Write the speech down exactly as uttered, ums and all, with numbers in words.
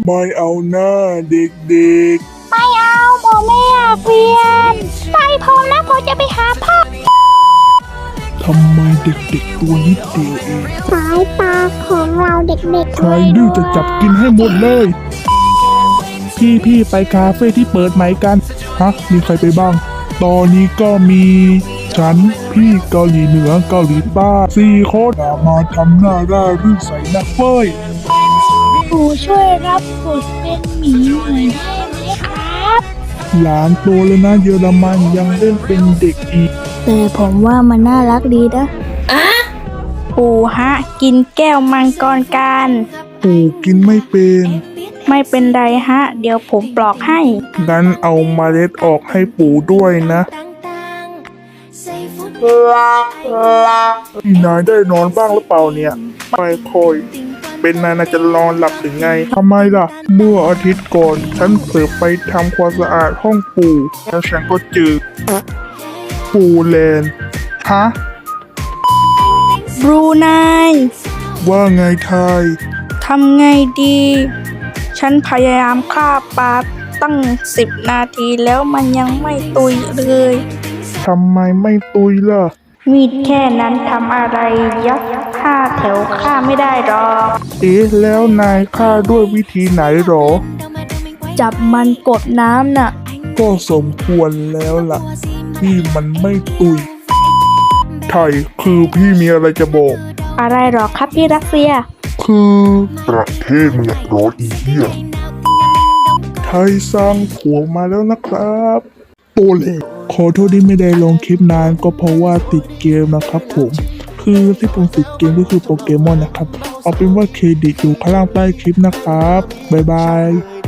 ไม่เอาหน้าเด็กไม่เอาผมไม่อยากเรียนไปผมนะผมจะไปหาพ่อๆทำไมเด็กๆตัวนิดเดียวเองสายตาของเราเด็กๆใครดื้อจะจับกินให้หมดเลย พี่พี่ไปคาเฟ่ที่เปิดใหม่กัน ฮะ มีใครไปบ้าง ตอนนี้ก็มีฉันพี่เกาหลีเหนือเกาหลีใต้สี่คนอย่ามาทำหน้าร่ารื่นใส่นักเฟ้ยปู่ช่วยรับบทเป็นหมีหน่อยได้ไหมครับหลานโตแล้วนะเยอรมันยังเล่นเป็นเด็กอีกแต่ผมว่ามันน่ารักดีนะปู่ฮะ กินแก้วมังกรกันปู่กินไม่เป็นไม่เป็นไรฮะ เดี๋ยวผมปลอกให้งั้นเอาเมล็ดออกให้ปู่ด้วยนะพี่นายได้นอนบ้างหรือเปล่าเนี่ยไม่ค่อยเป็นนายน่าจะนอนหลับถึงไงทำไมล่ะ เมื่ออาทิตย์ก่อน ฉันเสือไปทำความสะอาดห้องปู่แล้วฉันก็เจอปู่แลนด์ฮะบรูไนว่าไงไทยทำไงดี ฉันพยายามฆ่าปลาตั้งสิบนาทีแล้วมันยังไม่ตุยเลยทำไมไม่ตุยล่ะมีดแค่นั้นทำอะไรยักษ์ฆ่าแถวฆ่าไม่ได้หรอกเอ๊ะแล้วนายฆ่าด้วยวิธีไหนหรอจับมันกดน้ำน่ะก็สมควรแล้วล่ะ ที่มันไม่ตุย ไทยคือพี่มีอะไรจะบอกอะไรหรอครับพี่รัสเซียคือประเทศมึงอยากร้อยอีเหี้ยไทยสร้างผัวมาแล้วนะครับโตเลยขอโทษที่ไม่ได้ลงคลิปนานก็เพราะว่าติดเกมนะครับผม คือที่ผมติดเกมก็คือโปเกมอนนะครับ เอาเป็นว่าเครดิตอยู่ข้างล่างใต้คลิปนะครับ บ๊ายบาย